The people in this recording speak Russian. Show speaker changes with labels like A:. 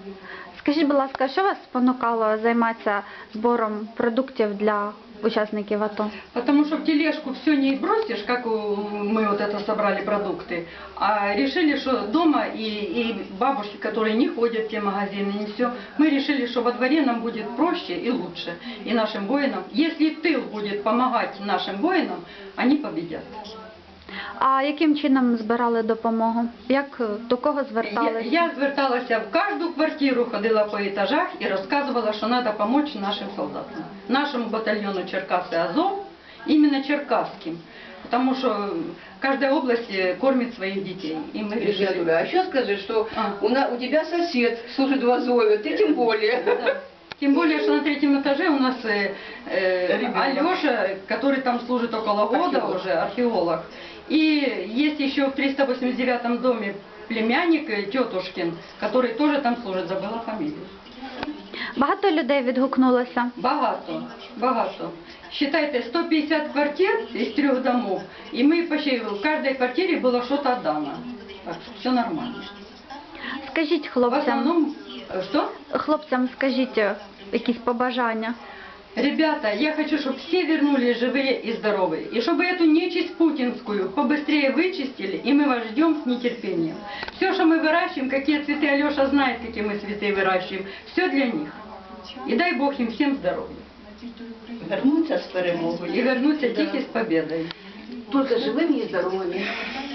A: Скажіть, будь ласка, що вас спонукало займатися збором продуктів для учасників АТО?
B: Потому что в тележку все не бросишь, как мы вот это собрали продукты, а решили, что дома и бабушки, которые не ходят в те магазины, не все, мы решили, что во дворе нам будет проще и лучше, и нашим воинам. Если тыл будет помогать нашим воинам, они победят.
A: А яким чином збирали допомогу? Як, до кого зверталися?
B: Я зверталася в каждую квартиру, ходила по этажах и рассказывала, что надо помочь нашим солдатам. Нашему батальону Черкасы Азов, именно черкасским. Потому что каждая область кормит своих детей. И мы решили...
C: А еще скажи, что у тебя сосед служит в Азове, ты тем более.
B: Да. Тем более, что на третьем этаже у нас Алеша, который там служит около года уже, археолог. И есть еще в 389 доме племянник Тетушкин, который тоже там служит, забыла фамилию.
A: Багато людей відгукнулося.
B: Багато, багато. Считайте, 150 квартир из 3 домов, и мы почти в каждой квартире было что-то отдано. Так что все нормально.
A: Скажіть
B: В
A: хлопцям,
B: основном, что?
A: скажіть якісь побажання.
B: Ребята, я хочу, чтобы все вернулись живые и здоровые. И чтобы эту нечисть путинскую побыстрее вычистили, и мы вас ждем с нетерпением. Все, что мы выращиваем, какие цветы, Алеша знает, какие мы цветы выращиваем, все для них. И дай Бог им всем здоровья.
C: Вернуться с перемогой.
B: И вернуться тихо с победой.
C: Только живыми и здоровыми.